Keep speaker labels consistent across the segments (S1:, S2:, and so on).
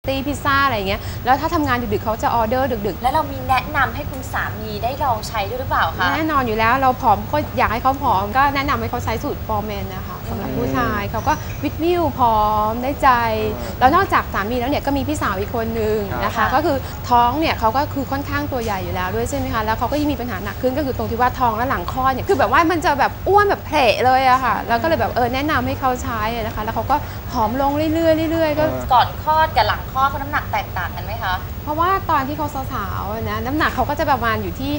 S1: ตี้พิซซ่าอะไรเงี้ยแล้วถ้าทำงานดึกๆเขาจะออเดอร์ดึกๆ
S2: แล้วเรามีแนะนำให้คุณสามีได้ลองใช้ด้วยหรือเปล่าคะ
S1: แน่นอนอยู่แล้วเราผอมก็อยากให้เขาผอมก็แนะนำให้เขาใช้สูตรฟอร์แมนนะคะสำหรับผู้ชายเขาก็วิตวิวผอมได้ใจแล้วนอกจากสามีแล้วเนี่ยก็มีพี่สาวอีกคนนึงนะคะก็คือท้องเนี่ยเขาก็คือค่อนข้างตัวใหญ่อยู่แล้วด้วยใช่ไหมคะแล้วเขาก็ยิ่งมีปัญหาหนักขึ้นก็คือตรงที่ว่าท้องและหลังคลอดเนี่ยคือแบบว่ามันจะแบบอ้วนแบบเพลเลยอะค่ะแล้วก็เลยแบบแนะนำให้เขาใช้นะคะแล้วเขาก็ผอมลงเรื่อยๆเรื่อยๆก็
S2: ก่อนคลอดกับหลังคลอดเขาน้ำหนักแตกต่างกันไหมคะ
S1: เพราะว่าตอนที่เขาสาวๆนะน้ำหนักเขาก็จะประมาณอยู่ที่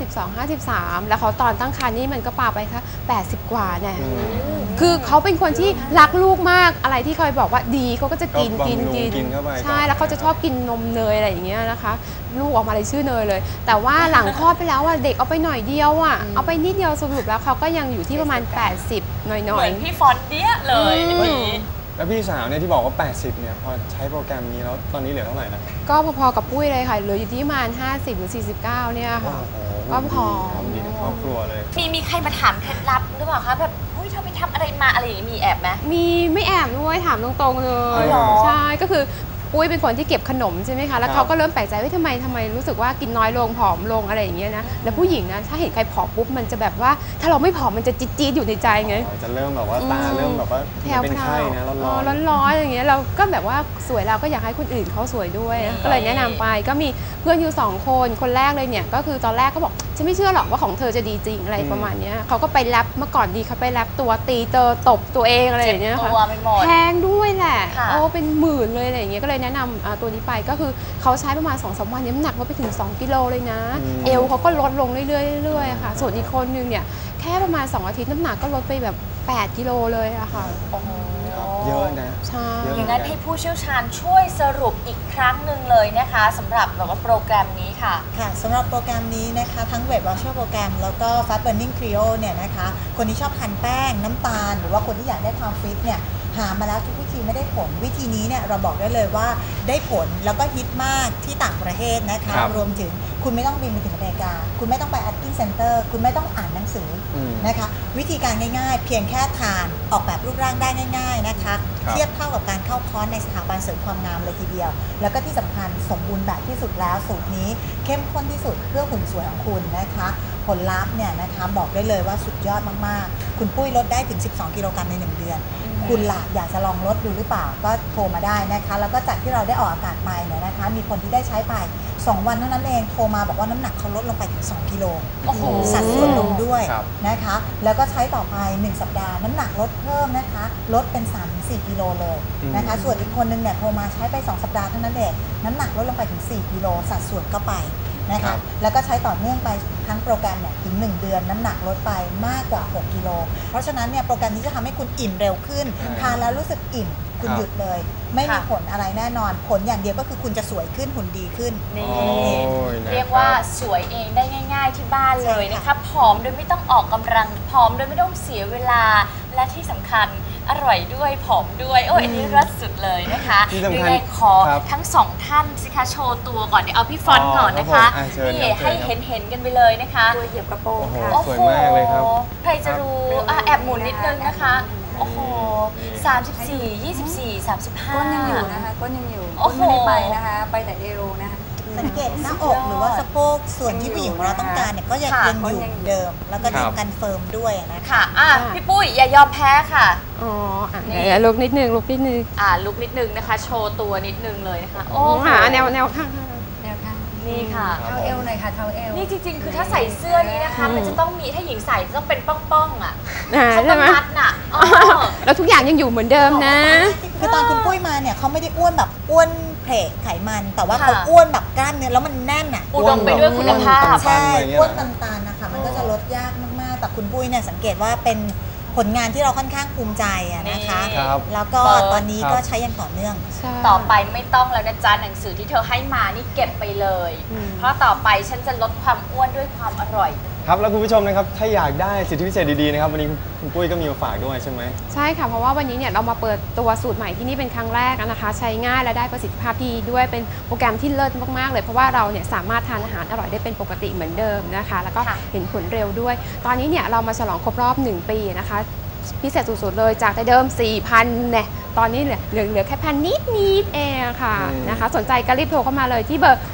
S1: 52-53แล้วเขาตอนตั้งครรภ์นี่มันก็ปาไปแค่80 กว่าเนี่ยคือเขาเป็นคนที่รักลูกมากอะไรที่เคยบอกว่าดีเขาก็จะกินใช่แล้วเขาจะชอบกินนมเนยอะไรอย่างเงี้ยนะคะลูกออกมาเลยชื่อเนยเลยแต่ว่าหลังคลอดไปแล้วเด็กเอาไปหน่อยเดียวเอาไปนิดเดียวสรุปแล้วเขาก็ยังอยู่ที่ประมาณ80หน่อยๆ
S2: เหมือนพี่ฟอนเดี้ยเลย
S3: แล้วพี่สาวเนี่ยที่บอกว่า80เนี่ยพอใช้โปรแกรมนี้แล้วตอนนี้เหลือเท่าไหร่นะ
S1: ก็พอๆกับปุ้ยเลยค่ะเหลืออยู่ที่ประมาณ50หรือ49เนี่ยค่ะก็ผอม
S3: ดีทั้งครอบครัวเลย
S2: มีใครมาถามเคล็ดลับหรือเปล่าคะแบบเฮ้ยเธอไปทำอะไรมาอะไรอย่างนี้มีแอบไหม
S1: มีไม่แอบด้วยถามตรงๆเลยใช่ก็คือปุ้ยเป็นคนที่เก็บขนมใช่ไหมคะแล้วเขาก็เริ่มแปลกใจว่าทำไมรู้สึกว่ากินน้อยลงผอมลงอะไรอย่างเงี้ยนะแล้วผู้หญิงนะถ้าเห็นใครผอมปุ๊บมันจะแบบว่าถ้าเราไม่ผอมมันจะจี๊ดๆอยู่ในใจไง
S3: จะเริ่มแบบว่าตาเริ่มแบบว่าเป็นไข้นะ
S1: ร้อนอย่างเงี้ยเราก็แบบว่าสวยเราก็อยากให้คนอื่นเขาสวยด้วยก็เลยแนะนำไปก็มีเพื่อนอยู่2 คนแรกเลยเนี่ยก็คือตอนแรกก็บอกฉันไม่เชื่อหรอกว่าของเธอจะดีจริงอะไรประมาณนี้เขาก็ไปแรปเมื่อก่อนดีเขาไปแรปตัวตีตบตัวเองอะไรอย่างเงี้ยค่ะแพงด้วยแหละเป็นหมื่นเลยอะไรอย่างเงี้ยก็เลยแนะนำตัวนี้ไปก็คือเขาใช้ประมาณ2-3 วันน้ำหนักเขาไปถึง2 กิโลเลยนะเอวเขาก็ลดลงเรื่อยๆค่ะส่วนอีกคนนึงเนี่ยแค่ประมาณ2 อาทิตย์น้ำหนักก็ลดไปแบบ8 กิโลเลยอะค่ะ
S3: เยอะนะ
S1: ใช่
S2: อย่างนั้นให้ผู้เชี่ยวชาญช่วยสรุปอีกครั้งหนึ่งเลยนะคะสำหรับแบบว่าโปรแกรมนี้ค่ะ
S4: สำหรับโปรแกรมนี้นะคะทั้ง Weight Watcher โปรแกรมแล้วก็ Fat Burning Trio เนี่ยนะคะคนที่ชอบทานแป้งน้ำตาลหรือว่าคนที่อยากได้ความฟิตเนี่ยหามาแล้วทุกวิธีไม่ได้ผลวิธีนี้เนี่ยเราบอกได้เลยว่าได้ผลแล้วก็ฮิตมากที่ต่างประเทศนะคะรวมถึงคุณไม่ต้องบินไปถึงอเมริกาคุณไม่ต้องไป Acting Center คุณไม่ต้องอ่านหนังสือนะคะวิธีการง่ายๆเพียงแค่ทานออกแบบรูปร่างได้ง่ายๆนะคะเทียบเท่ากับการเข้าคอร์สในสถาบันเสริมความงามเลยทีเดียวแล้วก็ที่สำคัญสมบูรณ์แบบที่สุดแล้วสูตรนี้เข้มข้นที่สุดเพื่อหุ่นสวยของคุณนะคะผลลัพธ์เนี่ยนะคะบอกได้เลยว่าสุดยอดมากๆคุณปุ้ยลดได้ถึง12 กิโลกรัมใน1 เดือนคุณล่ะอยากจะลองลดดูหรือเปล่าก็โทรมาได้นะคะแล้วก็จากที่เราได้ออกอากาศไปเนี่ยนะคะมีคนที่ได้ใช้ไป2 วันเท่านั้นเองโทรมาบอกว่าน้ำหนักเขาลดลงไปถึง2 กิโลสัดส่วนลงด้วยนะคะแล้วก็ใช้ต่อไป1 สัปดาห์น้ำหนักลดเพิ่มนะคะลดเป็น 3-4 กิโลเลยนะคะส่วนอีกคนนึงเนี่ยโทรมาใช้ไป2 สัปดาห์เท่านั้นเองน้ำหนักลดลงไปถึง4 กิโลสัดส่วนก็ไปนะคะแล้วก็ใช้ต่อเนื่องไปทั้งโปรแกรมเนี่ยถึง1 เดือนน้ำหนักลดไปมากกว่า6 กิโลเพราะฉะนั้นเนี่ยโปรแกรมนี้จะทำให้คุณอิ่มเร็วขึ้นทานแล้วรู้สึกอิ่มคุณหยุดเลยไม่มีผลอะไรแน่นอนผลอย่างเดียวก็คือคุณจะสวยขึ้นหุ่นดีขึ้น
S2: เรียกว่าสวยเองได้ง่ายๆที่บ้านเลยนะคะผอมโดยไม่ต้องออกกำลังผอมโดยไม่ต้องเสียเวลาและที่สำคัญอร่อยด้วยผอมด้วยอันนี้รัดสุดเลยนะคะยังไงขอทั้ง2 ท่านสิคะโชว์ตัวก่อนเดี๋ยวเอาพี่ฟอนก่อนนะคะนี่ให้เห็นกันไปเลยนะคะ
S4: ตัวเหยียบกระโปรงค่ะ
S3: สวยมากเลยครับ
S2: ใครจะรู้แอบหมุนนิดนึงนะคะโอ้โห34 24 35
S4: ก้นยังอยู่นะคะก้นยังอยู่ก้นไม่ได้ไปนะคะไปแต่เอวนะคะสังเกตหน้าอกหรือว่าสะโพกส่วนที่ผู้หญิงของเราต้องการเนี่ยก็ยังอยู่เดิมแล้วก็กันเฟิร์มด้วยนะคะ
S2: พี่ปุ้ยอย่ายอมแพ้ค่ะ
S1: นี่ลุกนิดนึงลุกนิดนึง
S2: นะคะโชว์ตัวนิดนึงเลยนะคะ
S1: โอ้หาแนวข้าง
S2: นี่ค่ะ
S4: เท้าเอวหน่อยค่ะเท้าเอว
S2: นี่จริงๆคือถ้าใส่เสื้อนี้นะคะมันจะต้องมีถ้าหญิงใส่จะต้องเป็นป้องๆเขาต้องมัดน่ะ
S1: แล้วทุกอย่างยังอยู่เหมือนเดิมนะ
S4: คือตอนคุณปุ้ยมาเนี่ยเขาไม่ได้อ้วนแบบอ้วนเพลไขมันแต่ว่าเขาอ้วนแบบกล้ามเนื้อแล้วมันแน่น
S2: อุดมไปด้วยคุณภาพ
S4: ใช่อ้วนตันๆนะคะมันก็จะลดยากมากๆแต่คุณปุ้ยเนี่ยสังเกตว่าเป็นผลงานที่เราค่อนข้างภูมิใจนะคะแล้วก็ตอนนี้ก็ใช้อย่างต่อเนื่อง
S2: ต่อไปไม่ต้องแล้วนะจ๊ะหนังสือที่เธอให้มานี่เก็บไปเลยเพราะต่อไปฉันจะลดความอ้วนด้วยความอร่อย
S3: ครับแล้วคุณผู้ชมนะครับถ้าอยากได้สิทธิพิเศษดีๆนะครับวันนี้คุณปุ้ยก็มีมาฝากด้วยใช่ไหม
S1: ใช่ค่ะเพราะว่าวันนี้เนี่ยเรามาเปิดตัวสูตรใหม่ที่นี่เป็นครั้งแรกนะคะใช้ง่ายและได้ประสิทธิภาพที่ด้วยเป็นโปรแกรมที่เลิศมากๆเลยเพราะว่าเราเนี่ยสามารถทานอาหารอร่อยได้เป็นปกติเหมือนเดิมนะคะแล้วก็เห็นผลเร็วด้วยตอนนี้เนี่ยเรามาฉลองครบรอบ1 ปีนะคะพิเศษสุดๆเลยจากแต่เดิม 4,000 เนี่ยตอนนี้เหลือแค่พันนิดเองค่ะนะคะสนใจก็รีบโทรเข้ามาเลยที่เบอร์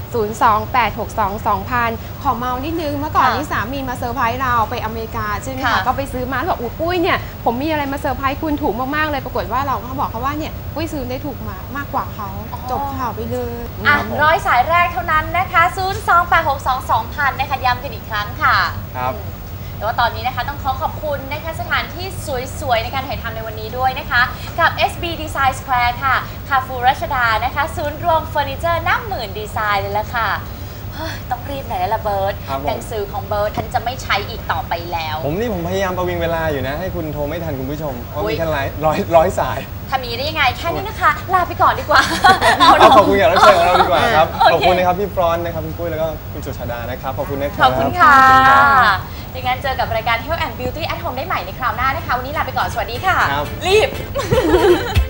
S1: 028622000 ขอเมานิดนึงเมื่อก่อนนี้สามีมาเซอร์ไพรส์เราไปอเมริกาใช่ไหมคะก็ไปซื้อมาแล้วบอกอุ้ยปุ้ยเนี่ยผมมีอะไรมาเซอร์ไพรส์คุณถูกมากๆเลยปรากฏว่าเราก็บอกเขาว่าเนี่ยปุ้ยซื้อได้ถูกมากกว่าเขาจบข่าวไปเลย
S2: ร้อยสายแรกเท่านั้นนะคะ 028622000 นะคะย้ำกันอีกครั้งค่ะ
S3: ครับ
S2: แต่ว่าตอนนี้นะคะต้องขอบคุณนะคะสถานที่สวยๆในการถ่ายทำในวันนี้ด้วยนะคะกับ SB Design Square ค่ะคาฟูรัชดานะคะศูนย์รวมเฟอร์นิเจอร์นับหมื่นดีไซน์เลยละค่ะต้องรีบหน่อยแล้วล่ะเบิร์ตหนังสือของเบิร์ตท่านจะไม่ใช้อีกต่อไปแล้ว
S3: ผมพยายามประวิงเวลาอยู่นะให้คุณโทรไม่ทันคุณผู้ชมเพราะมีแค่ร้อยสาย
S2: ทำนี้ได้ยังไงแค่นี้นะคะลาไปก่อนดีกว่า
S3: ขอบคุณอย่างรับเชิญของเราดีกว่าครับขอบคุณนะครับพี่ฟรอนต์นะครับคุณปุ้ยแล้วก็คุณสุชาดานะครับขอบคุณนะครับ
S2: ขอบคุณค่ะดังนั้นเจอกับรายการ Health and Beauty at Home ได้ใหม่ในคราวหน้านะคะวันนี้ลาไปก่อนสวัสดีค่ะรีบ